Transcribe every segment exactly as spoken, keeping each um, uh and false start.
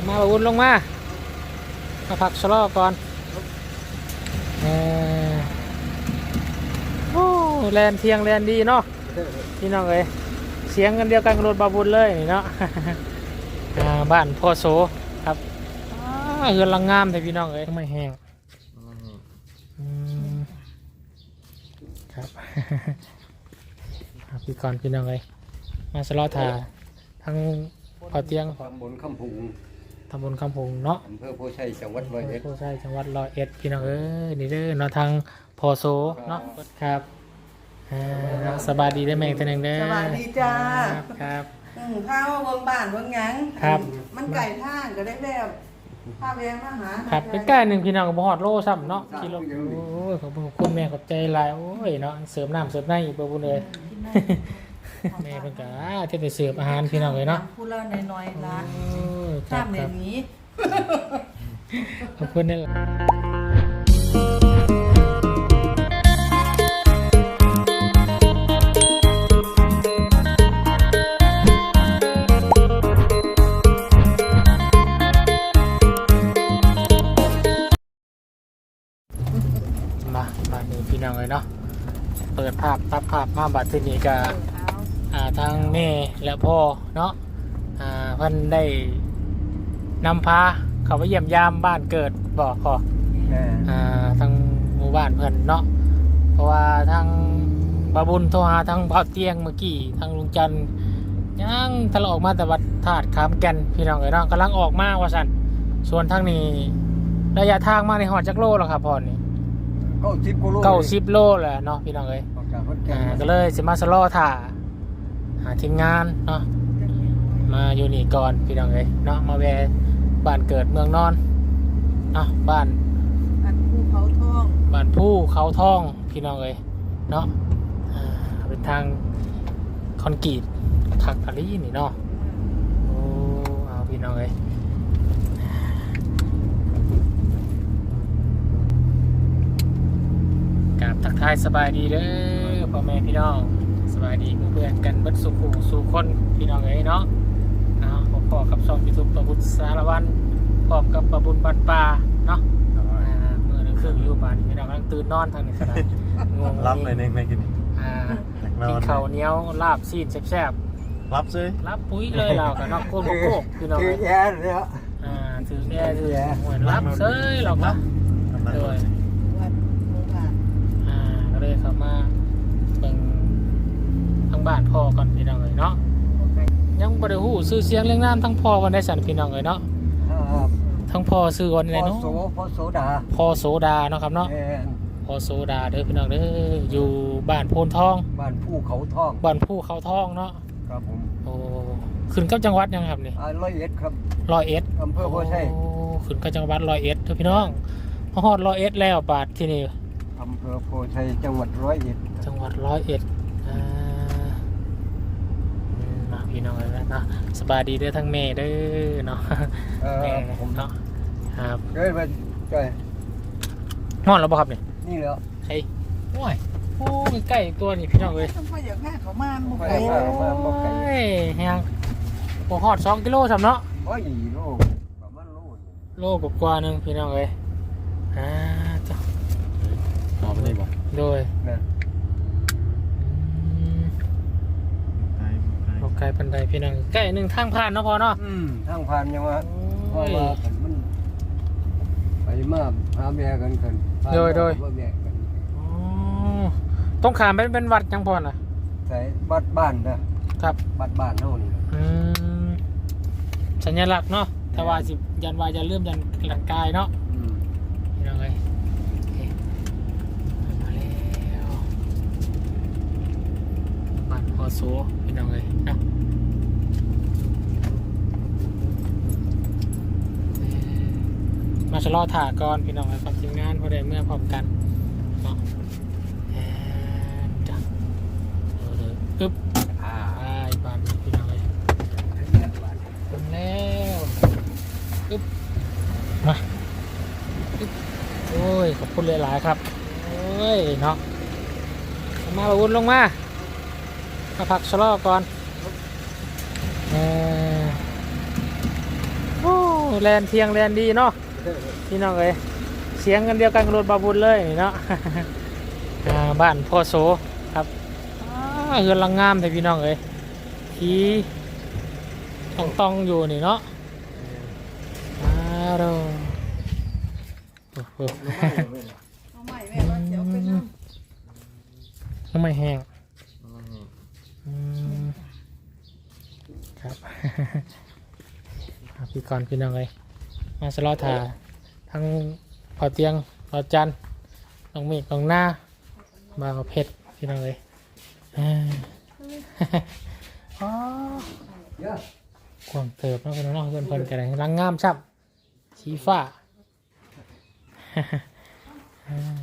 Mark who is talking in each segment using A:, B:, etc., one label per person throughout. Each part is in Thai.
A: มาอุ่นลงมามาพักชะลอก่อนเออโอ้แลนเทียงแลนดีเนาะพี่น้องเอ้ยเสียงกันเดียวกันกับรถบาบุญเลยเนาะ บ้านพ่อโสครับเฮือนลังงามแต่พี่น้องเอ้ยไม่แห้งครับ พี่ก่อนพี่น้องเอ้ยมาสลอทาทั้งพอเตียง
B: ตำบลคำพุง
A: ตำบลคำพงเนาะ
B: อำเภอโพชัยจังหวัดร้อยเอ็ด
A: โพชัยจังหวัดร้อยเอ็ดพี่น้องเอ้ยนี่เด้อเนาะทางพอโซเนาะครับสบายดีได้ไหมตัวหนึ่งเด้อ
C: สวัสดีจ้า
A: ครับ
C: อืมข้าวเบิ่งบ้านเบิ่งหยัง
A: ครับ
C: มันไก่ทางก็ได้แบบข้าวแวงมาหา
A: ครับใกล้ๆหนึ่งพี่น้องกับหอดโลซ้ำเนาะกิโลโอ้ยขอบคุณแม่ขอบใจหลายโอ้ยเนาะเสริมน้ำเสริมในอีกบ่บุญเลย แม่เพิ่นก็จะได้เสิร์ฟอาหารพี่น้องเลยเนาะ
C: พูดแล้วน้อยๆละ
A: โอ้ยครั
C: ข้า
A: บ
C: ม
A: ค
C: เดี๋
A: รั
C: ย
A: บ
C: วนี้
A: ขอบคุณนี่แหละมามาดูพี่น้องเลยเนาะเปิดภาพตัดภาพมาบัดที่นี่ก็อ่าทางแม่และพ่อเนาะอ่าเพิ่นได้นำพาเขาไปเยี่ยมยามบ้านเกิดบอกขอ
B: แม่
A: อ่าทางหมู่บ้านเพิ่นเนาะเพราะว่าทางบาบุญโทรหาทางเผาเตียงเมื่อกี้ทางลุงจันทร์ยังทะเลาะออกมาแต่วัดธาตุขามแก่นพี่น้องเอ้ยเนาะกำลังออกมาว่าซั่นส่วนทางนี้ระยะทางมาในหอดจักโลแล้วครับพ่อนี่
B: เก้าสิบกิโล
A: เก้าสิบโลแหละเนาะพี่น้องเอ้ย
B: ออกจากขอนแก่
A: อ่าน ก็เลยสิมาสลอถ่าหาทีมงานเนาะมาอยู่นี่ก่อนพี่น้องเอ้ยเนาะมาแวะบ้านเกิดเมืองนอนเนาะบ้าน
C: อันภูเขาทอง
A: บ้านผู้เขาทองพี่น้องเอ้ยเนาะอ่าเป็นทางคอนกรีตทักอะไรนี่เนาะโอ้เอาพี่น้องเอ้ยกราบทักทายสบายดีเด้อพ่อแม่พี่น้องสบายดีเพื่อนๆกันเบิดสุขสู่คนพี่น้องเอ้ยเนาะเอาพอๆกับช่องยูทูบประบุสารวันพร้อมกับประบุญบันปลาเนาะเมื่อนึงครึ่งอยู่บ้านพี่น้องกำลังตื่นนอนทางนี้ขนาดงง
D: รับเลยในในกิน
A: อ่ากินข้าวเหนียวลาบซีดแซ่บ
D: รับซื้อ
A: ๆรับปุ๋ยเลยเรากับนอกโคตรโคกพี่น้อง
B: คือ
A: เอ้ย
B: แย่เลยอ่ะ
A: อ่าถือแย่ถือเหมือนรับเซ้ยหรอกเนาะ
D: กำลัง
A: โดย
C: วัดหมู่บ้าน
A: อ่าก็เลยเข้ามาเป็นทางบ้านพ่อก่อนพี่น้องเอ้ยเนาะยังบ่ได้ฮู้ชื่อเสียงเรื่องน้ำทั้งพ่อวันได้สันพี่น้องเอ้ยเนาะ
B: ครับ
A: ทั้งพ่อชื่อวันไหน
B: พ่อ
A: เนาะ
B: โสพ่อโสดา
A: พ่อโสดาเนาะครับเนาะ
B: แม่
A: พ่อโสดาเด้อพี่น้องเด้ออยู่บ้านโพนทอง
B: บ้านผู้เขาทอง
A: บ้านผู้เขาทองเนาะ
B: ครับผม
A: โอ้ขึ้นกับจังหวัดยังครับนี่
B: อ่าร้อยเอ็ดครับ
A: ร้อยเอ็ด
B: อำเภอโพชัย
A: โอ้ขึ้นกับจังหวัดร้อยเอ็ดเด้อพี่น้องพอฮอดร้อยเอ็ดแล้วบาทที่นี่
B: อำเภอโพชัยจังหวัดร้อยเอ็ด
A: จังหวัดร้อยเอ็ดอ่าอืมมาพี่น้องเลยนะเนาะสบายดีเด้อทั้งแม่เด้อเนาะ
B: เออ
A: แม่
B: ผม
A: เนาะครับ
B: เกิดมาใกล้
A: ฮอดแล้วบ่ครับนี่
B: นี่แล้ว
A: ใช่โอ้ยโอ้ยใกล้ตัวนี่พี่น้องเลย
C: ต้องไปอย่างแม่เขามาหมู่
B: ไป
C: ไก่
B: มามาบ่ไกล
A: โอ้ยแฮงโอ้ฮอดสองกิโลสำเนาะ
B: โอ้ยโลประมาณโล
A: โลกว่าๆหนึงพี่น้องเลยอ่าจ้ะ
D: เอาไปเลยบอก
A: โดย
B: นั่น
A: อืม
D: ไกลไกล
A: โลไกลปันไดพี่น้องใกล้หนึ่งทางผ่านเนาะพอเนาะ
B: อืมทางผ่านยังว่าเพ
A: โอ้
B: ราะ
A: ย
B: ว่ามันไปมาหาแม่กันกันพา
A: โดยโดย
B: ว่าแม่กัน
A: อ๋อต้องขามเป็นเป็นวัดจังพอน่ะ
B: ใส่บัดบ้านนะครับ บัดบ้านเท่านี้นะ
A: อืมสัญลักษณ์เนาะถ้าว่าสิยันวาจะเริ่มยันหลังกายเนาะ
B: อืม
A: พี่น้องเลยโอเคมาแล้วบ้านพอโซพี่น้องเลยเนาะเอ่อมาชะลอถ่าก่อนพี่น้องเลยกับทีมงานพอได้เมื่อพร้อมกันเนาะแอนจ้ะเออเลยปึ๊บ
B: อ่า
A: ไปบ้านพี่น้องเลย ถึงแล้วปึ๊บมาปึ๊บโอ้ยขอบคุณหลายๆครับโอ้ยเนาะมาอุ่นลงมามาพักชะลอก่อนเออโอ้แลนเทียงแลนดีเนาะพี่น้องเอ้ยเสียงกันเดียวกันกับรถบาบุญเลยนี่เนาะ อ่าบ้านพ่อโสครับอ่าเฮือนหลังงามแต่พี่น้องเอ้ยที่ต้องต้องอยู่นี่เนาะอ้าวโดโอ้โห
C: เอาใหม่แม่ว่าเดี๋ยวไปนั่ง
A: น้ำไม่แห้งอืมครับ ครับพี่กรณ์พี่น้องเอ้ยมาสลอถาทั้งพอเตียงพอจันทร์น้องเมฆน้องหน้ามาเอาเพชรพี่น้องเอ้ยอ่า อ๋อ
B: เยอะ
A: กวางเติบเนาะพี่น้องเนาะเพื่อนเพิ่นกันเลยรังงามชับชี้ฟ้า อ่า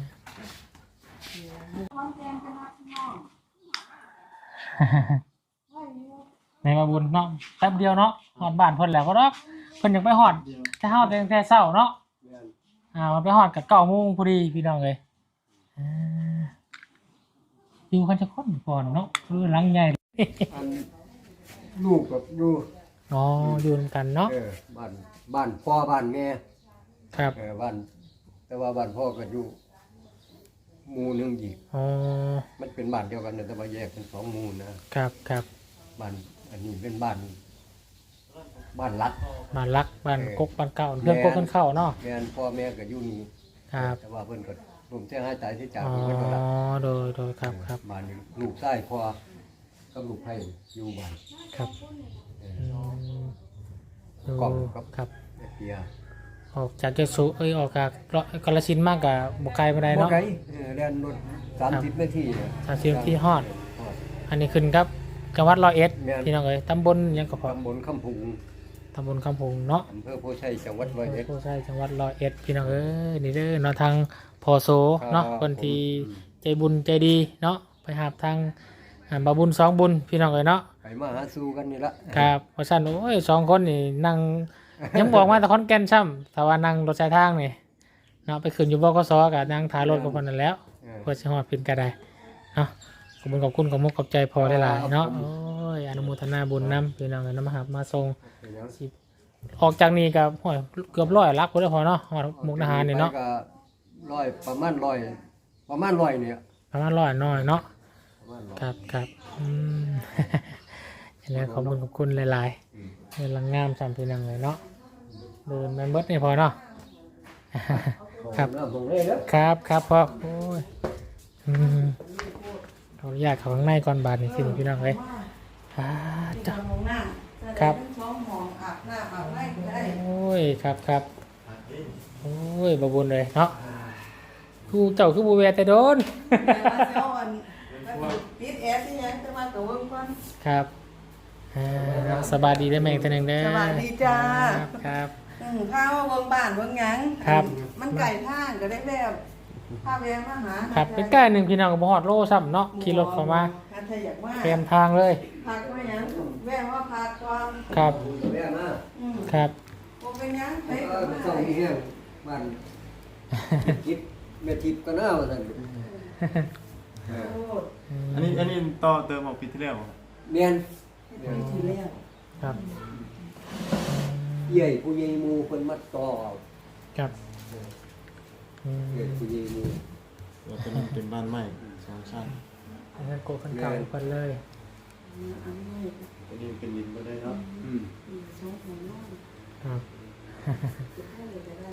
A: ในมาบุญเนาะแป๊บเดียวเนาะหอดบ้านเพิ่นแล้วก็รอกเพิ่นยังไปหอดแต่เฮาแต่แต่เช้าเนาะ
B: แม่น
A: อ่ามันไปหอดกับเก้าโมงพอดีพี่น้องเลยอ่าอยู่กันจะคนก่อนเนาะคือหลังใหญ่
B: อันลูกกับอยู่
A: อ๋ออยู่นำกันเนาะ
B: เออบ้านบ้านพ่อบ้านแม่
A: ครับ
B: เออบ้านแต่ว่าบ้านพ่อก็อยู่หมู่หนึงอีก
A: อ๋อ
B: มันเป็นบ้านเดียวกันนะแต่ว่าแยกเป็นสองหมู่นะครับ
A: ครับ
B: บ้านอันนี้เป็นบ้านบ้านรัด
A: บ้านรักบ้านกกบ้านเก่าเรื่องกกกันเข้าเนาะ
B: แม่นพ่อแม่ก็อยู่นี่
A: ครับ
B: แต่ว่าเพิ่นก็รวมเสียหายตายที่จาก
A: อ๋อ
B: เพิ่นก็รับ
A: โดยโดยครับครับ
B: บ้านนี้ลูกชายพ่อกับลูกไผ่อยู่บ้าน
A: ครับ
B: เอ
A: อื
B: อ
A: มดู
B: กล่องครับ
A: ครับ
B: เปีย
A: ออกจากเจ้าสุเอ้ยออกจากกาฬสินธุ์มากกับบกไกลไปได้
B: บ่
A: เนาะ
B: ไกลเออแล่นรถสามสิบนาทีเนี่ย
A: สามสิบนาทีฮอด
B: ฮอด
A: อันนี้ขึ้นครับจังหวัดร้อยเอ็ด
B: แม่น
A: พี่น้องเอ้ยตำบลหยังก็พอ
B: ตำบลคำพุง
A: ตำบลคำพงเนาะ
B: อำเภอโพชัยจังหวัดร้อยเอ็ด
A: ผู้ใช้จังหวัดร้อยเอ็ดพี่น้องเอ้ยนี่เด้อเนาะทางพอโซเนาะ
B: ครับ
A: คนที่
B: ผม
A: ใจบุญใจดีเนาะไปหาบทางอ่าบาบุญสองบุญพี่น้องเอ้ยเนาะ
B: ไปมาหาสู่กันนี่ละ
A: ครับเพราะฉะนั้นโอ้ยสองคนนี่นั่ง ยังบอกมาแต่คอนแก่นช่ำแต่ว่านั่งรถสายทางนี่เนาะไปขึ้นอยู่บกสกับนั่งท้ายรถกับคนนั้นแล้ว
B: เออ
A: เพื่อจะหอดพินก็ได้เนาะขอบคุณขอบคุณขอบมุกขอบใจพอได้หลายๆเนาะ
B: ครับผม
A: โอ้ยอนุโมทนาบุญนำพี่น้องเอ้ยนำมาหามาส่ง
B: เป็นหยัง
A: สิออกจากนี้กับโอ้ยเกือบร้อยลักก็ได้พอเนาะหอดมุกดาหารนี่เนาะ
B: ไปก็ร้อยประมาณร้อยประมาณร้อยเนี่ย
A: ประมาณร้อยน้อยเนาะ
B: ประมาณร้อย
A: ครับครับอืม อย่างนี้ขอบคุณขอบคุณหลาย
B: อืม
A: ๆเงินลังงามสามพี่นังเลยเนาะเดินแมนเบิร์ดนี่พอเนาะ ครับ
B: น้ำตรงนี้เด้อ
A: ครับครับพ่อโอ้ยอืมขออนุญาตเข้าข้างในก่อนบาทนี่สิพี่น้องเลยอ่า
C: ที่
A: จ้ะ
C: ทำห้องน้ำ
A: ครับ
C: ถ้าได้เป็นช่องหมองอาบน้ำอาบน้ำก็ได้
A: โอ้ยครับครับโอ้ยบาบุญเลยเนาะกูเจ้าคือบูเวแต่โดน
C: แต่ว่าเจ้าอันปิดแอร์ที่ยังจะมาตัวเบิ่งก่อน
A: ครับอ่าสบายดีได้ไหมอีกตัวหนึ่งเด้อ
C: สวัสดีจ้า
A: ครับครับ
C: อืมข้าวว่าเบิ่งบ้านเบิ่งหยัง
A: ครับ
C: มันไก่ทางก็ได้แบบพาแวงมาหา
A: ครับเป็นใกล้หนึ่งพี่น้องกับหอดโลซ้ำเนาะขี่รถเข้ามา
C: ถ้าอยากว่า
A: เตรียมทางเลย
C: พักไว้หยังแวงว่าพักก่อน
A: ครับ
B: แม่มา
C: อืม
A: ครับ
C: บ่เป็นหยังไป
B: เอ
C: ก็
B: อ
C: มา
B: ส่งที่แห้งบ้านทิพย์แม่ทิพย์ก็น่าว่าซั่นเออ
C: โอ้ย
D: อันนี้อันนี้ต่อเติมออกปีที่แล้วเหรอ
B: เมียน
C: ไปทีแล้ว
A: ครับ
B: ใหญ่ผู้ใหญ่หมู่เพิ่นมาต่อเอา
A: ครับอืม
B: ใหญ่ผู้ใหญ่หมู่
D: เราจะนั่งเป็นบ้านใหม่สองชั้น
A: อันนั้นโกขันเก่าทุกคนเลย
C: อันนี้
D: อันนี้เป็นดินก็ได้เนาะ
B: อืม
C: อืมช่องของน้อง
A: ครับ
C: จะให้เลยก็ได้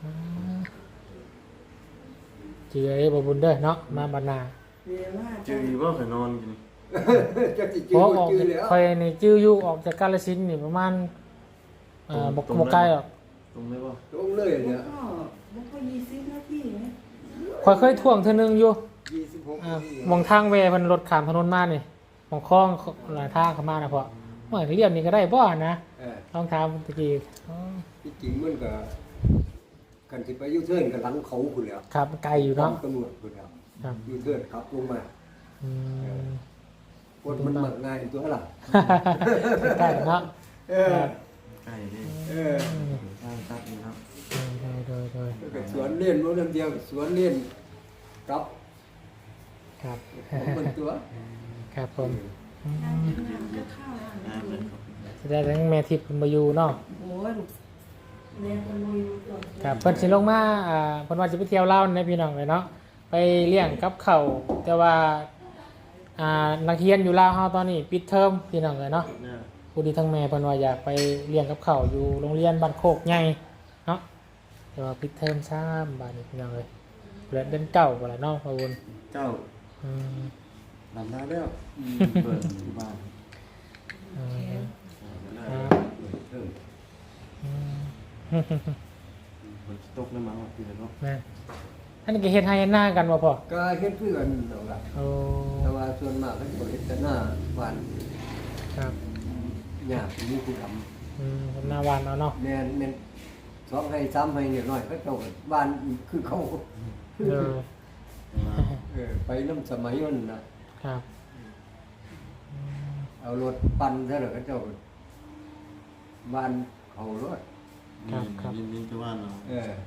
A: เจียบบุญเด้อเนาะมาบรรณา
C: เรียนว่า
D: จือว่าเคยนอนกิน
B: จักสิ
A: เพ
B: จื้อ
A: ราะ
B: บ่
A: ออก
B: จื้อแล้ว
A: คอยนี่จื้ออยู่ออกจากกาลสินธุ์นี่ประมาณเอ่อบกบกไกลหรอก
D: ตรงได้ป่ะ
B: ตรงเลยเนี่ย
C: ก็มันก็ยี่สิบนาทีไหม
A: คอยเคยท่วงเธอนึงอยู่
B: ยี่สิบหก
A: อ่า
B: นาที
A: มองทางเวเพิ่นรถขามถนนมานี่มองคลองหลายทางเข้ามานะพ่อเมื่อเรียบนี่ก็ได้บ่นะ
B: เออ
A: ลองถามตะกี้อ๋อ
B: ที่จริงมันก็กันสิไปยูเทิร์นกับหลังเขาพุ่นแล้ว
A: ครับไกลอยู่เนาะ
B: ตำรวจพุ่นแล้ว
A: ครับ
B: ยูเทิร์นขับลงมา
A: อืม
B: คนมันมักง่ายตัวล่ะ
A: ใกล้เนาะ
B: เออ
D: ใกล้ดิ
B: เออ
D: สร้างตัดนี่ครับ
A: โดยโดยโดย
B: แล้วก็สวนเล่นบ่นำเดียวสวนเล่นกับ
A: ครับ
B: ของมันตัว
A: ครับผมอืม
C: จะเข้าแล้ว
D: น้ำเลยครับ
A: แสดงทั้งแม่ทิพย์เพิ่นบ่อยู่เนาะ
C: โอ้ยลูกเรียนกันลุยตัว
A: ครับเพิ่นสิลงมาอ่าเพิ่นว่าสิไปเที่ยวลาวในพี่น้องเลยเนาะไปเลี้ยงกับข้าวแต่ว่าอ่านักเรียนอยู่ลาวเฮาตอนนี้ปิดเทอมพี่น้องเลยเนาะ
D: เนี่ย
A: ผู้ดีทั้งแม่เพิ่นว่าอยากไปเลี้ยงกับข้าวอยู่โรงเรียนบ้านโคกใหญ่เนาะแต่ว่าปิดเทอมซ้ำบาดนี้พี่น้องเลยเดือนเดือนเก้าบ่ล่ะเนาะพ่อบุญ
D: เจ้า
A: อืม
D: ลำได้แล้วเปิดที่บ้าน
A: อืม
D: ค
A: ค
D: รั
A: รั
D: บบ
B: เริ่ม
A: อืม
D: ฝนตกแล้วมั้งพี่เนาะ
A: แม่อันนี้ก็เฮ็ดให้เฮ็ดหน้ากันบ่พ่อ
B: ก็เฮ็ดเพื่อนเอาล่ะ
A: โอ้
B: แต่ว่าส่วนมากก็สิเฮ็ดแต่หน้าบ้าน
A: ครับ
B: หญ้ามีผู้ทำ
A: อืมเฮ็ดหน้าหวานเอาเนาะ
B: แม่นแม่นสองให้สามให้เนี่ยน้อยเขาเจ้าก็บ้านคือเขา
A: เออ
B: เออไปน้ำสมัยนั้นน่ะ
A: ครับ
B: เอารถปั่นซะแล้วเขาเจ้าก็บ้านเขารถ
D: นี่นี่จะว่าเนาะ
B: เออ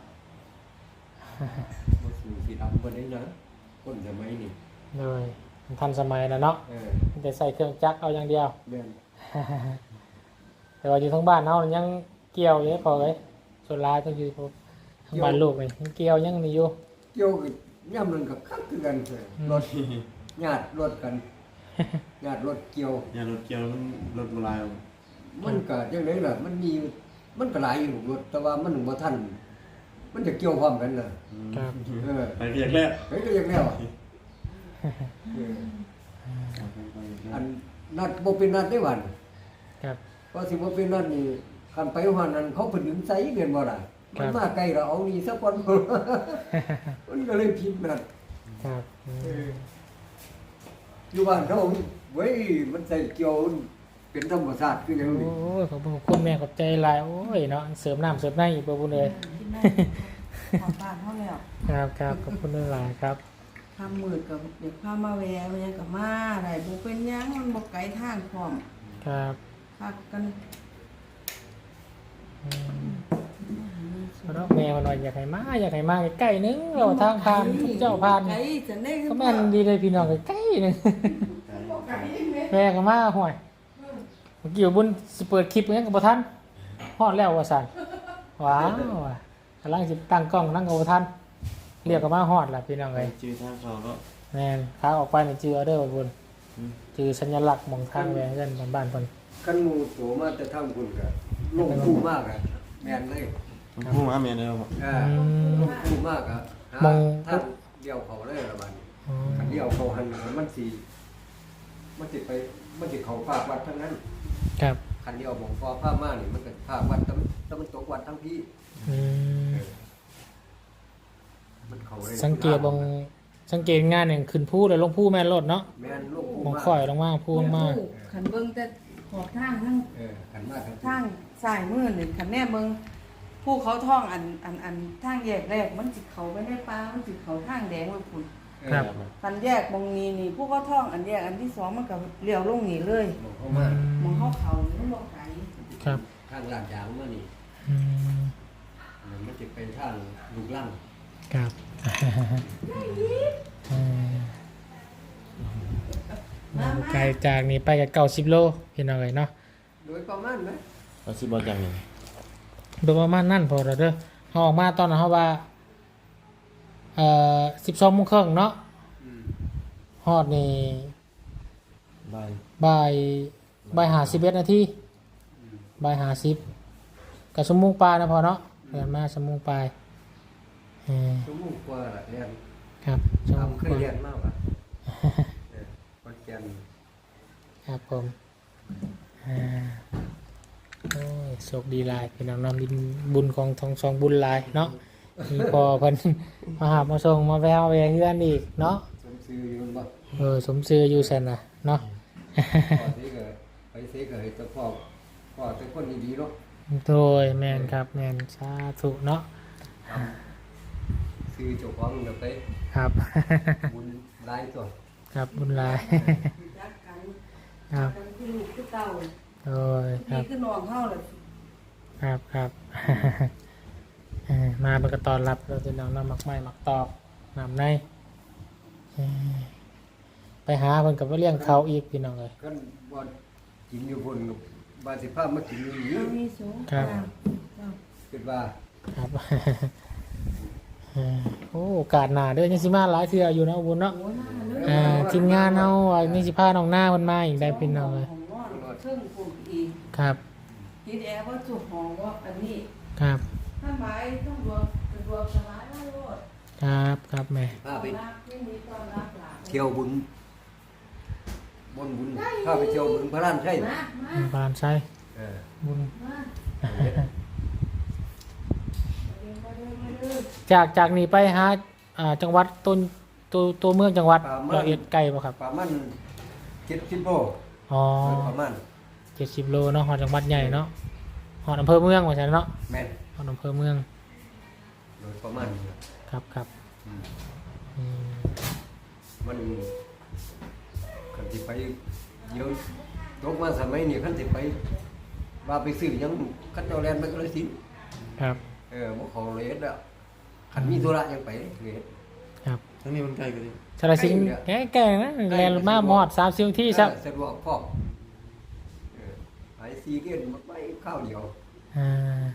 B: บ่สู่สิดำบ่ได้นะคนสมัยนี้
A: เลยมันทันสมัยแล้วเนาะ
B: เออ
A: แต่ใส่เครื่องจักรเอาอย่างเดียว
B: แม่น
A: แต่ว่าอยู่ทั้งบ้านเฮายังเกี่ยวอยู่พอเลยส่วนหลายต้องอยู่พวกทั้งบ้านลูกนี่ยังเกี่ยวยังนี่อยู่
B: เกี่ยวกับย่ำนั้นก็คักคือกันเออรถญาติรถกันญาติรถเกี่ยว
D: อย่ารถเกี่ยวรถโบราณ
B: มันก็จังได๋ล่ะมันมีมันก็หลายอยู่รถแต่ว่ามันบ่ทันมันจะเกี่ยวพร้อมกันน่ะ
A: ครับ
B: เออ
D: ไปเรียกแล้ว
B: เฮ้ยก็ยังแล้วอะเอออันนัดบ่เป็นนัดได้หวัน
A: ครับ
B: เพราะสิบ่เป็นนัดนี่คันไปว่านั้นเขาเพิ่นดึงใส่เงินบ่ล่ะมันมาไกลเราเอานี่ซะก่อน มันก็เลยผิดนัด
A: ครับอื
B: เอ
A: ม
B: ออยู่บ้านเขาเว้ยมันใส่เกี่ยวเป็นธรรมชาติคือหยัง
A: โอ้
B: นี่
A: ยขอบคุณคุณแม่ขอบใจหลายโอ้ยเนาะเสริมน้ำเสริมในอีกบ่บุญเลย
C: กินได้ขอบ้านเท่าแล้ว
A: ครับครับขอบคุณหลายครับ
C: ทำมืดกับเด็กพามาแวะมันยังกับมาได้บ่เป็นหยังมันบ่ไกลทางพร้อม
A: ครับ
C: พักกัน
A: อืมเพราะแม่มันว่าอยากให้มาอยากให้มาใกล้ๆนึงเราทางผ่านเจ้าผ่าน
C: ไกลจะได้
A: ก็แม่นดีเลยพี่น้องใกล้ๆนึง
C: บ่ไกลแม่
A: แม่ก็มาห่วยเมื่อกี้ว่าบุญสิเปิดคลิปยังกับบ่ทันฮอดแล้วว่าซั่นว้าวว่ะกำลังสิตั้งกล้องนั่งกับบ่ทันเรียกก็มาฮอดล่ะพี่น้อง
D: ไป
A: เอ้ย
D: จื้อทางเขาเนาะ
A: แม่นขาออกไปนี่จื้อเอาเด้อว่าบุญจื้อสัญลักษณ์หม่องทางแหวงเงินบ้านๆเพิ่น
B: คันหมู่โตมาแต่ทางคุณก็ลงคู่มากอ่ะแม่นเลย
D: มันพูดมาเมียเดียวบอก
B: อ่าลงคู่มากอ่ะหาม
A: อง
B: ทางเดียวเขาเลยละบัดนี้
A: อ๋อ
B: คันเดียวเขาหันมันสิมันสิไปมันสิเข้าภาควัดทั้งนั้น
A: ครับ
B: คันเดียวผมพอภาคมานี่มันก็ภาควัดตะตะมันตกวัดทั้งพี่
A: อืม
B: มันเข้าเลย
A: สังเกตบงสังเกตงานหนึ่งขึ้นผู้แล้วลงผู้แม่นรถเนาะ
B: แม่นลูก
A: ม
B: คู่
A: อง
B: มาก
A: ข่อยลงมาผู้ลงมา
C: ขันเบิ่งแต่ขอบทางทั้ง
B: เออขันมากทั้ง
C: ทางซ้ายมือนี่ขันแน่เบิ่งผู้เขาท่องอันอันอันทางแยกแรกมันสิเข้าไปในป่ามันสิเข้าทางแดงไว้พุ่น
A: ครับ
C: คันแยกบงนี้นี่ผู้เขาท่องอันแยกอันที่สองมันก็เลี้ยวลงนี่เลย
B: มองเข้ามา
C: มองเขาเขานี่มันบ่ไกล
A: ครับ
B: ทางลาดยางมานี่
A: อืม
B: มันจะเป็นทางลูกลัง
A: ครับอืม
C: มามา
A: ไกลจากนี้ไปกับเก้าสิบโลพี่น้องเลยเนาะ
B: โดยประมาณไหม
D: เราสิบอกอย่างหนึ่ง
A: โดยประมาณนั่นพอแล้วเด้อเขาออกมาตอนนั้นเขาว่าเอ่อสิบสองโมงครึ่งเนาะ
B: อืม
A: ฮอดนี่
D: บาย
A: บ่ายบ่ายหาสิบเอ็ดนาทีบ่ายหาสิบกับชั่วโมงปลายนะพอเนาะเรียนมาชั่วโมงปลายเออ
B: ชั่วโมงกว่าละเรียน
A: ครับชั่วโมง
B: ทำเค
A: ก
B: ย
A: ว่า
B: เรียนมากวะเออคอนแกน
A: ครับผมอ่าโอ้ยโชคดีหลายเป็นน้องนำดินบุญของทองสองบุญหลายเนาะมีพอเพิ่น มาหามาส่งมาแววแวเฮือนอีกเนาะ
B: สมซื้ออยู่มันบ่
A: เออสมซื้ออยู่ซั่นน่ะเนาะ
B: พ่อเสกไปเสกให้เจ้าพ่อพ่อเป็นคนดีๆเนาะ
A: โดยแม่นครับแม่นสาธุเนาะ
B: ซื้อเจ้าของเดี๋ยวไป
A: ครับ
B: บุญหลายตัว
A: ครับบุญหลาย
C: รักกัน
A: ครับ
C: กันคือลูกคือเต้า
A: โดยค
C: นี่
A: รับ
C: คือน้องเฮาล่ะ
A: ครับครับ เออมาเป็นกระตอนรับเราจะนำน้ำหมักไม้หมักตอกน้ำในเออไปหาเพิ่นกับว่าเลี้ยงเขาอีกพี่น้องเลย
B: กันบ่กินอยู่บนกับบาสิภาพมากินอยู่นี่
C: มีสูง
A: ครับ
C: เจ้า
B: ไปว่า
A: ครับ เออโอ้โอกาสหน้าเด้อยังสิมาหลายเทื่ออยู่เนาะบุญเนาะ
C: โอ้ยน่าเลือก
A: อ่าทีมงานเฮาว่านี่สิพาน้องหน้าเพิ่นมาอีกได้พี่น้องเลย
C: ของนอนเครื่องปลูกอีก
A: ครับ
C: คิดแอร์ว่าจุกหองว่าอันนี้
A: ครับ
C: ท่านไม้ต้องรวมเป็นรวมสลายแล้วโลด
A: ครับครับแม่
B: พาไป
C: รักที่มีตอนรักหลาน
B: เที่ยวบุญบนบุญพาไปเที่ยวบุญพระรานใช่
C: มามา
A: บานไซ
B: เออ
A: บุญ
C: มาเดินมาเดินมาเดิน
A: จากจากนี้ไปหาอ่าจังหวัดต้นตัวตัวเมืองจังหวัดร้อยเอ็ดไกลบ่ครับ
B: ประมาณเจ็ดสิบโล
A: อ๋อ
B: ประมาณ
A: เจ็ดสิบโลเนาะฮอดจังหวัดใหญ่เนาะฮอดอำเภอเมืองว่าซั่นเนาะ
B: แม่น
A: ฮอดอำเภอเมือง
B: โดยประมาณนี้
A: ครับครับ
B: อืม
A: อืม
B: มันคันที่ไปเดี๋ยวตกมาสมัยนี้คันที่ไปว่าไปซื้อหยังคันเจ้าแลนไปก็เลยสิน
A: ครับ
B: เออบ่เขาเลยเฮ็ดแล้วคันมีธุระยังไปเลยเฮ็ด
A: ครับ
D: ทั้งนี้มันใกล้กันดิ
A: สารสิงห์แก่แก่นะแลนมาหมอดสามสิบที่ครับ
B: เออสะดวกพร้อมเออไปซีเกตมันไปข้าวเดียว
A: อ่า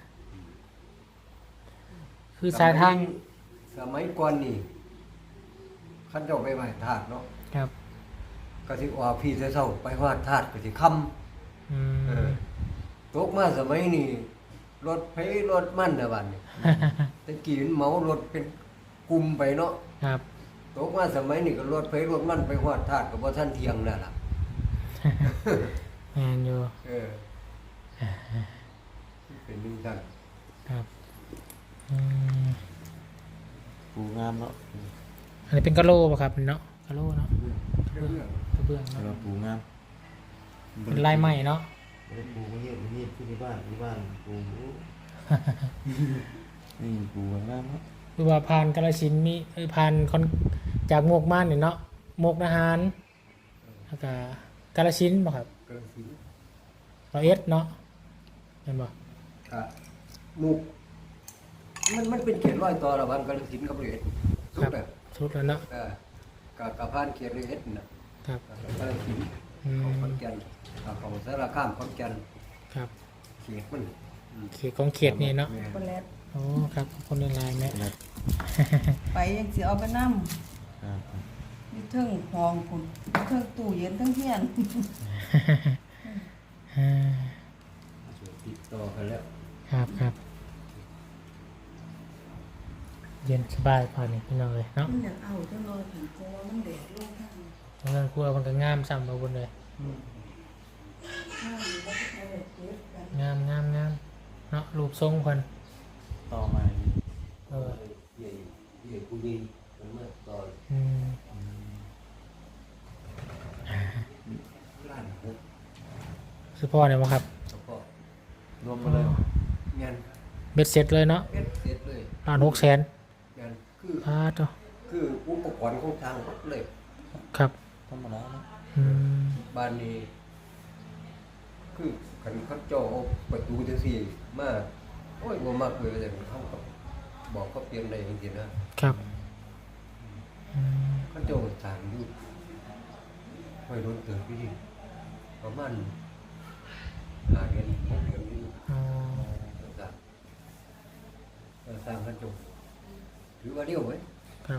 A: คือสายทาง
B: สมัยก่อนนี่คันเจ้าไปไหว้ธาตุเนาะ
A: ครับ
B: ก็สิออกพี่เช้าๆไปไหว้ธาตุก็สิค่ำ
A: อื
B: เอ
A: ม
B: อตกมาสมัยนี้รถไผรถมันน่ะบัดนี้แต่กี้มันเหมารถเป็นกลุ่มไปเนาะ
A: ครับ
B: ตกมาสมัยนี้ก็รถไผรถมันไปฮอดธาตุก็บ่ทันเที่ยงแล้วล่ะ
A: แมนอยู่
B: เออเป็นจังซั่น
A: ครับอืม
D: ปูงามเนาะ
A: อันนี้เป็นกะโหลป่ะครับเนาะกะโหลเนาะ
B: เรื่อง
A: กระเบื้อง
D: แต่
A: เนาะ
D: ว่าปูงาม
A: เป็นลายใหม่เนาะ
D: บ่ได้ปูไม่เงียบไม่เงียบที่บ้านที่บ้านปูนี่ปูงามเนาะ
A: คือว่าผ่านกาฬสินธุ์มีเอ้ยผ่านคอนจากโมกม่านเนี่ยเนาะโมกนาหารแล้วก็กาฬสินธุ์บ่ครับ
B: กระสิน
A: ร้อยเอ็ดเนาะเห็นบ่
B: อ่ะมุกมันมันเป็นเขตร้อยต่อระหว่างกาฬสินธุ์กับร้อยเอ็ดสุดอ่ะ
A: สุดแล้วเนาะ
B: เออกับกับผ่านเขตร้อยเอ็ดน่ะ
A: ครับ
B: กาฬสินธุ์
A: อื
B: ของ
A: ม
B: ขอนแก่นอ่าของสารคามขอนแก่น
A: ครับ
B: เขตมันอืม
A: เขตของเขตนี่เนาะ
B: แม่
C: คนแรก
A: โอ้ครับขอบคนในไลน์แม่
C: ไปยังสิเอาไปนั่ม
D: ครับ
C: มีเทิงห้องคุณมีเทิงตู้เย็นเทั้งเทียน
A: อ่า
B: ติดต่อกันแล้ว
A: ครับครับเย็นสบายพอนี่พี่น้องเลยเนาะ
C: มันอยากเอาจังเลยถึงเพราะว่ามันแดดลงทาง
A: เพราะงั้นครัวมันก็งามซ้ำมาบนเลย
C: ข้างนี้ก็ใช้แบบเย็บกัน
A: งามงามงามเนาะรูปทรงคน
D: ต่อมา
A: เออ
B: ใหญ่ใหญ่ผู้ยิงมันมาต่อ
A: อืม
B: ล้านหก
A: คือพ่อเนี่ยบ่ครับ
B: แล้วก็
D: รวมมาเลย
B: งาน
A: เบ็ดเสร็จเลยเนาะ
B: เอ็ดเสร็จเลย
A: ล้านหกแสน
B: งานคือ
A: พาตัว
B: คืออุปกรณ์ของทางรถเลย
A: ครับ
D: ธรรมดาเนาะ
A: อืม
B: บ้านนี้ คือขันเขาเจ่อเอาประตูจังสี่มาโอ้ยบ่มากเลยแต่เขาก็บอกเขาเปลี่ยนได้จริงๆนะครับ
A: อืม
B: เขาเจ้าสร้างอยู่ไม่โดนเติบพี่ประมาณหาเดือนหกเดือนนี้
A: อ๋อ
B: สร้างเออสร้างเขาเจ้าถือว่าเดียวไหม
A: ครับ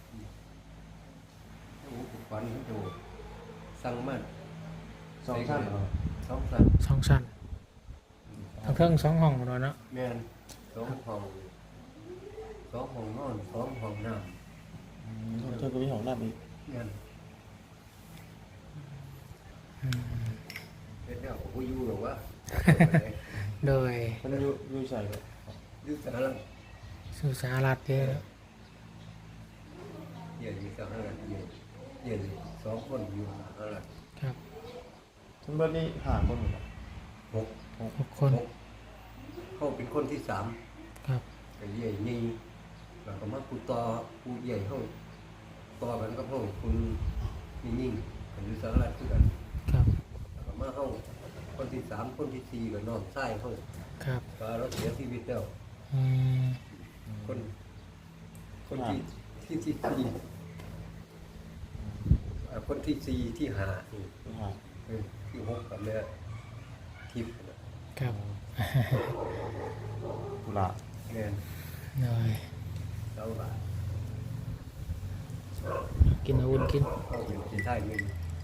B: อุปกรณ์เขาเจ้าสั่งมา
D: สองชั้นเหรอ
B: สองสั่ง
A: สองชั้นทั้งเครื่องสองห้องของเราเนาะ
B: แม่นสองห้องสองห้องนอนสองห้องน้
D: อืมเจ้าก็มีของน้ำอีก
B: ำแม่น
A: อืม
B: เฮ็ดแล้วก็อยู่หรอกวะ
A: โดย
D: มันอยู่อยู่ใส่ก็
B: อยู่สหรัฐ
A: สุสารัตเด้อ
B: เดี๋ยวอยู่สหรัฐเดี๋ยวเดี๋ยวสองคนอยู่สหรัฐ
A: ครับ
D: ทั้งเบิดนี่ห่างคนหมดเหรอ
B: หก
A: หกคน
B: หกเขาเป็นคนที่สาม
A: ครับ
B: ก็ใหญ่นี่แล้วก็มากูต่อกูใหญ่เขาต่อกันกับเขาคุณนี่ยิ่งกันอยู่สหรัฐคือกัน
A: ครับ
B: แล้วก็มาเขาคนที่สามคนที่สี่ก็นอนใต้เขา
A: ครับ
B: ก็เราเสียชีวิตแล้ว
A: อืม
B: คนคนที่ที่ที่ที่เอ่อคนที่สี่ที่ห้านี่
D: ห่าง
B: เออที่หกกับแม่ทิพย์น่ะ
A: ครับ
B: ส
D: กุหลาบ
B: แม่น
A: หน่อย
B: เจ้าละ
A: กินเอาอุ่นกิน
B: เอาเป็นสิท้ายเงิน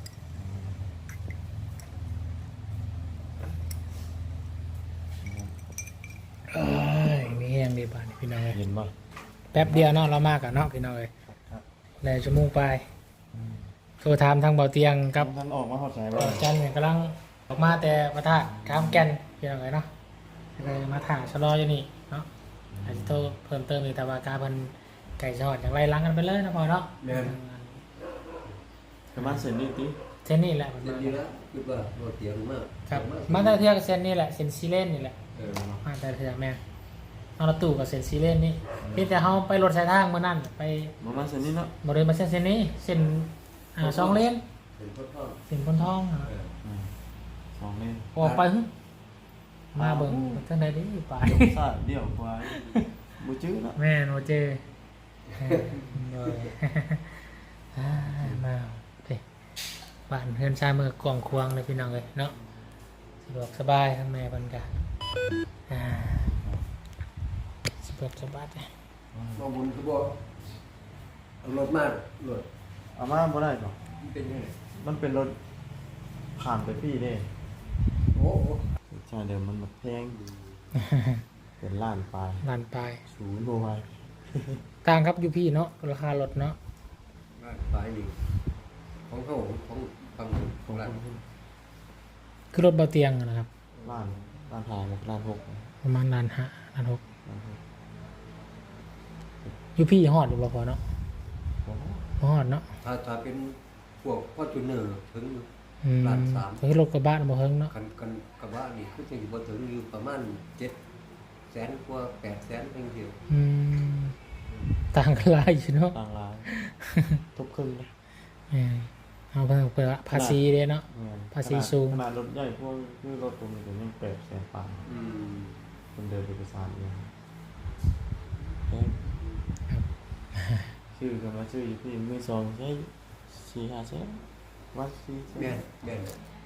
A: เอ้ยมีแห้งดีบ้านพี่น้องเอ้ย
D: เห็นบ่
A: แป๊บเดียวเนาะเรามากอะเนาะพี่น้องเอ้ย
D: ครับ
A: แล้วชั่วโมงไปโทรถามทางเบาเตียงกับ
D: ท่านออกมาหอดสาย
A: เบา
D: ว่า
A: จันเนี่ยกำลังออกมาแต่ประทะข้ามแก่นพี่น้องเอ้ยเนาะเลยมาถ่ายชะลออยู่นี่เนาะอาจจะโทรเพิ่มเติมอีกแต่ว่าการเพิ่นไก่ชอดอย่างไรล้างกันไปเลยนะพอเนาะ
B: แม่น
D: ประมาณเซนนี่ติ
A: เส้นนี่แหละมัน
B: เจ็ด
A: มา
B: ดีแล้วคือว่าโรเตียงมาก
A: ครับมาแต่เทือกเส้นนี่แหละเส้นซีเลนนี่แหละ
B: เออ
A: มาแต่เทือกแม่นเอาละตู้กับเส้นซีเลนนี่พี่แต่เขาไปรถสายทางเมื่อนั้นไป
D: ประมาณเซนนี่เนาะ
A: บริเวณมาเส้นเส้นนี้เส้นอ่าสองเลน
B: เป็นพ่อพ่อ
A: เส้นบนท้องอะ
B: เออ
D: อืมสองเลน
A: ออกไปหึมาเบิ่งทั้งใดดีไป
D: ซาเดี่ยวกว่าบ่จื้อเนาะ
A: แม่โนเจโดยอ่ามาเด้บ้านเฮือนชายเมืองกวางควางเลยพี่น้องเลยเนาะสะดวกสบายทั้งแม่เพิ่นกะอ่าสะดวกสบายเลย
B: มาบุญคือบ่เอารถมารถ
D: เอามาบ่ได้หรอก
B: มันเป็นยังไง
D: มันเป็นรถผ่านไปพี่เด้
B: โอ้โห
D: ใช่เดิมมันแบบแพงเป็นล้านปลาย
A: ลานปลาย
D: ศูนย์โบไว้
A: ต่างครับอยู่พี่เนาะราคารถเนาะ
B: บ้านปลายนี่ของเขาของฝั่งของร้าน
A: คือรถเบาเตียงอะนะครับ
D: ล้านล้านหาหกล้านหก
A: ประมาณล้านห้าล้านหก
D: ล้านหก
A: อยู่พี่ฮอดอยู่บ่พอเนาะ
D: โอ้โห
A: บ่ฮอดเนาะ
B: ถ้าถ้าเป็นพวกพ่อจูเนอร์ถึงอยู่
A: อืม
B: ล้านสาม
A: คือรถกระบะน่ะบ่เฮิงเนาะ
B: กันกันกระบะนี่คือจะอยู่บนถึงอยู่ประมาณเจ็ดแสนกว่าแปดแสนเพียงเดียว
A: อืมต่างกันหลายอยู่เนาะ
D: ต่างร้านทุบครึ่งเลย
A: เออเอาเพิ่มเปิดภาษีเด้เนาะ
D: แม่น
A: ภาษีสูง
D: ขนาดรถใหญ่พวกคือรถตรงนี้ก็ยังแปดแสนปลาย
B: อืม
D: คนเดินเอกสารเองแพงชื่อกันมาชื่ออยู่ที่มือสองใช้สี่ห้าแสนวัดสี่แส
B: แม่
D: น
B: นแม่น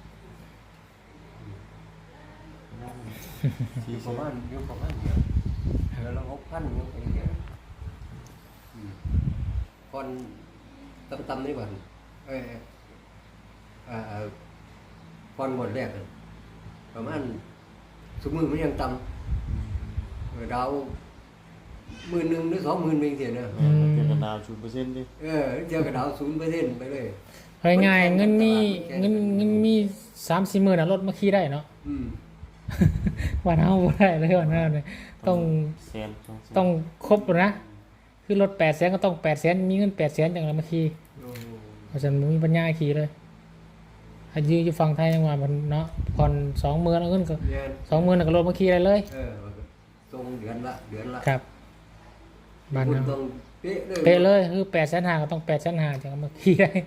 D: สี่
B: อยู่
D: แส
B: ประ
D: น
B: มาณอยู่ประมาณเดียวแล้วเราหกพันอยู่เองเดียวอืมก่อนต่ำๆนี่ก่อนเอ้ยอ่าก่อนหมดแรกอะประมาณสมมือมันยังต่ำเออดาวหมื่นหนึ่งหรือสองหมื่นเองเสียนะ
A: อืม
D: เกี่ยวกับดาวศูนย์เปอร์เซ็นต์ดิ
B: เออเจอกับดาวศูนย์เปอร์เซ็นต์ไปเลย
A: เอาง่ายๆเงินมีเงินเงินมีสามสี่หมื่นน่ะรถมาขี่ได้เนาะ
B: อืม
A: วันเฮาบ่ได้เลยวันเฮาเนี่ยต้อง
D: แสนสองแสน
A: ต้องครบนะคือรถแปดแสนก็ต้องแปดแสนมีเงินแปดแสนจังเลยมาขี่
B: โอ้
A: เพราะฉะนั้นบ่มีปัญญาขี่เลยอายุอยู่ฝั่งไทยยังว่ามันเนาะผ่อนสองหมื่นเอาเงินก็
B: เรียน
A: สองหมื่นก็รถมาขี่ได้เลย
B: เออทรงเดือนละเดือนละ
A: ครับบ้าน
B: คุณ
A: เฮา
B: ต้องเป๊ะเลย
A: เป๊ะเลยคือแปดแสนห้าก็ต้องแปดแสนห้าจังเอามาขี่ได้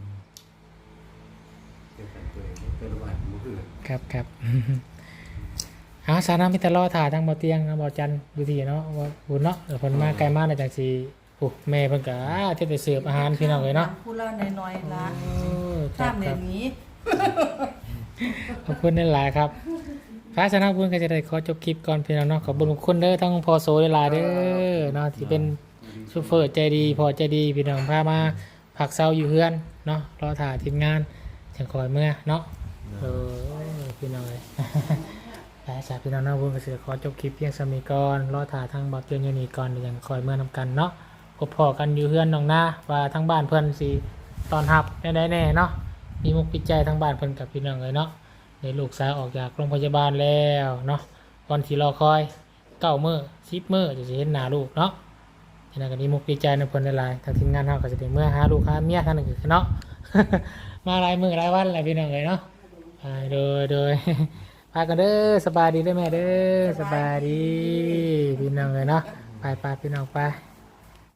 B: เจ็ดแปดตัวเป็นวันมือถือ
A: ครับครับ อาสานามิตรรอถ่าทางบ่อเตียงนะบ่อจันทร์อยู่ที่เนาะว่าบุญเนาะเดี๋ยวเพิ่นมาไกลมาในจังสิโอ้แม่เพิ่นก็อ่าเที่ยวไปเสิร์ฟอาหารพี่น้องเลยเนาะ
C: ผู้ละน้อยๆละ
A: โอ้ค
C: ข้า
A: รั
C: ม
A: บ
C: ใน
A: ครับ
C: นี้
A: ขอบคุณหลายๆครับพระสนาบุญก็จะได้ขอจบคลิปก่อนพี่น้องเนาะขอบคุณทุกคนเด้อทั้งพอโซหลายๆเด้อเนาะที่เป็นซูเฟอร์ใจดีพอใจดีพี่น้องพามาผักเซาอยู่เฮือนเนาะรอถ่าทีมงานจังคอยเมื่อเนาะเออพี่น้องเลย ไปจากพี่น้องเนาะบุญก็สิขอจบคลิปเพียงสมีก่อนรอถ่าทางบ่าวเตือนอยู่นี่ก่อนเดี๋ยวยังคอยเมื่อนำกันเนาะพบพอกันอยู่เฮือนน้องหน้าว่าทั้งบ้านเพิ่นสิตอนรับแน่ๆแน่เนาะมีมุกปิดใจทั้งบ้านเพิ่นกับพี่น้องเลยเนาะในลูกสาวออกจากโรงพยาบาลแล้วเนาะวันที่รอคอยเก้ามื้อสิบมื้อจะสิเห็นหน้าลูกเนาะฉะนั้นก็มีมุกปิดใจในเพิ่นหลายๆทางทีมงานเฮาก็จะได้เมื่อหาลูกหาเมียทางนึงคือเนาะ มาหลายมื้อหลายวันแล้วพี่น้องเลยเนาะไปโดยโดย พากันเด้อสบายดีเด้อแม่เด้อสบายดีพี่น้องเลยเนาะไปไปพี่น้องไป